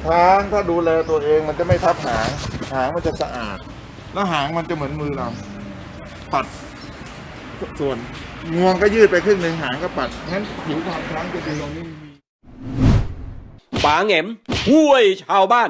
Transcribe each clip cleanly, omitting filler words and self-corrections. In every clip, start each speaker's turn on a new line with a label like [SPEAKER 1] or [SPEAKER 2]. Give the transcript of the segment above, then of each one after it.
[SPEAKER 1] ช้างถ้าดูแลตัวเองมันจะไม่ทับหางมันจะสะอาดแล้วหางมันจะเหมือนมือเราปัดส่วนงวงก็ยืดไปครึ่งหนึ่งหางก็ปัดงั้นผิวของช้างจะดีตรงนี้
[SPEAKER 2] ป๋าแหง่มห้วยชาวบ้าน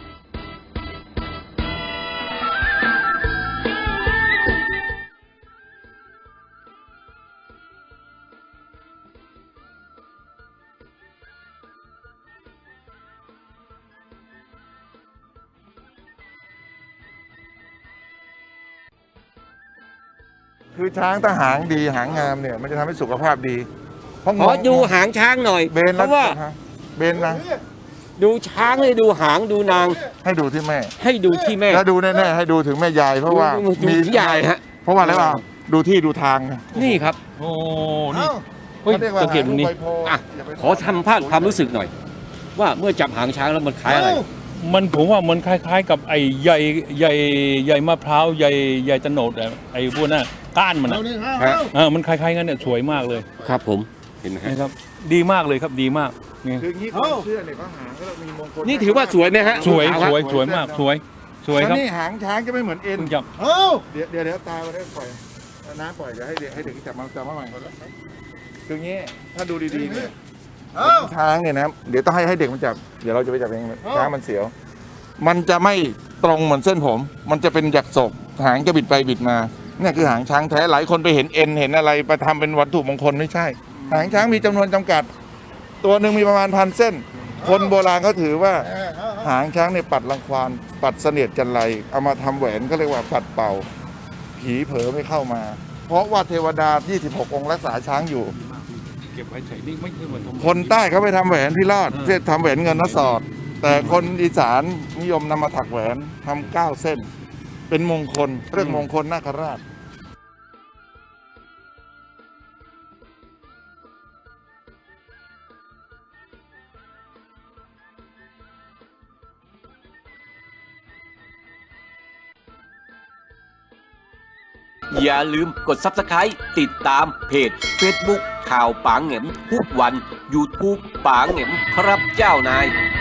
[SPEAKER 1] คือช้างถ้าหางดีหางงามเนี่ยมันจะทำให้สุขภาพดีเพราะ
[SPEAKER 2] ขอดูหางช้างหน่อย
[SPEAKER 1] เบน
[SPEAKER 2] เพราะว่า
[SPEAKER 1] เบนนะ
[SPEAKER 2] ดูช้างให้ดูหางดูนาง
[SPEAKER 1] ให้ดูที่แม่
[SPEAKER 2] ให้ดูที่แม่
[SPEAKER 1] แล้วดูแน่ๆให้ดูถึงแม่ยายเพราะว่า
[SPEAKER 2] ดูที่ยายฮะ
[SPEAKER 1] เพราะว่าอะไรวะดูที่ดูทาง
[SPEAKER 2] นี่ครับโอ้นี่เฮ้ยสังเกตตรงนี้อ่ะขอทำภาพความรู้สึกหน่อย ว่าเมื่อจับหางช้างแล้วมันคล้ายอะไร
[SPEAKER 3] ผมว่ามันคล้ายๆ กับไอ้ใยมะพร้าวใยตะโนดไอ้พวกนั้นก้านมันมันคล้ายๆกันเนี่ยสวยมากเลย
[SPEAKER 2] ครับผมเห็นไหมฮะ
[SPEAKER 3] นะครับดีมากเลยครับดีมากนี่
[SPEAKER 1] คืองี้ความเชื่อเนี่ยเขาหางก็มีมงคล
[SPEAKER 2] นี่ถือว่าสวยไหมฮะ
[SPEAKER 3] สวย
[SPEAKER 2] ขาวครับ
[SPEAKER 3] สวยมากสวยครับ
[SPEAKER 1] นี่หางช้างจะไม่เหมือนเอ็น
[SPEAKER 3] เพิ่งจับ
[SPEAKER 1] เดี๋ยวตาไปได้ปล่อยน้าปล่อยเดี๋ยวให้เด็กจับมาใหม่คืองี้ถ้าดูดีๆเนี่ยช้างเนี่ยนะเดี๋ยวต้องให้เด็กมันจับเดี๋ยวเราจะไปจับเองช้างมันเสียวมันจะไม่ตรงเหมือนเส้นผม มันจะเป็นหยักศกหางจะบิดไปบิดมาเนี่ยคือหางช้างแท้หลายคนไปเห็นเอ็นเห็นอะไรไปทำเป็นวัตถุมงคลไม่ใช่ หางช้างมีจำนวนจำกัด ตัวหนึ่งมีประมาณ1,000 เส้น คนโบราณเขาถือว่าหางช้างเนี่ยปัดรังควานปัดเสนียดจันไรเอามาทำแหวนก็เรียกว่าปัดเป่าผีเผลอไม่เข้ามา เพราะว่าเทวดา 26 องค์รักษาช้างอยู่
[SPEAKER 3] เก็บไว้ใส่นี่ไม่ใช่เหมือน
[SPEAKER 1] คนใต้เขาไปทำแหวนพิรอดเช่นทำแหวนเงินนสอด แต่คนอีสานนิยมนำมาถักแหวนทำ9 เส้น เป็นมงคลเรื่องมงคลนาคราช
[SPEAKER 2] อย่าลืมกด Subscribe ติดตามเพจ Facebook ข่าวป๋าแหง่มทุกวัน YouTube ป๋าแหง่มครับเจ้านาย